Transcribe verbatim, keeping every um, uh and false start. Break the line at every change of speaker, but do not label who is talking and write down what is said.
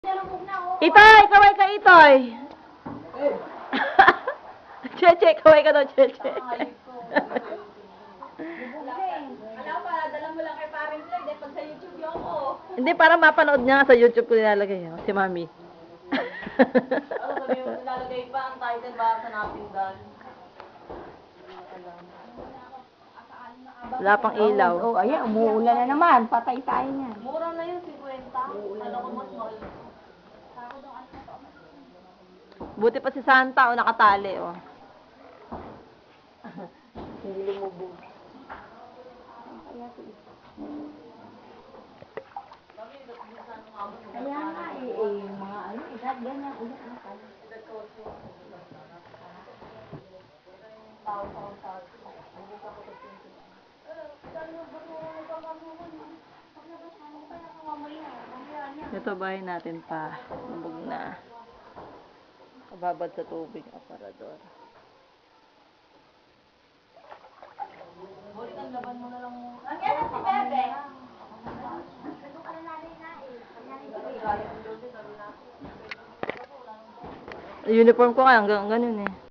Itoy! Kaway ka, Itoy! Cheche, kaway ka daw, Cheche.
Alam pa, dala mo lang kay Paring Floyd, eh, pag sa YouTube yung ako.
Hindi, para mapanood niya sa YouTube ko nilalagay, oh, si Mami.
Ano, sabi mo, nilalagay pa ang title ba sa napindan?
Wala pang ilaw.
Oh, ayan, umuulan na naman. Patay tayo niyan.
Mura na yun, fifty. Ano ko mas mahal.
Buti pa si Santa, oh, nakatali, oh.
Hindi lumubog. Kaya nga, eh, eh, yung mga ano, edad, ganyan, ulit na pala.
Ito bahay natin pa. Lubog na. Kababad sa tubig. Aparador.
Bulit ang laban mo na lang mo.
Ang yan si Bebe.
Uniform ko nga, hanggang ganun eh.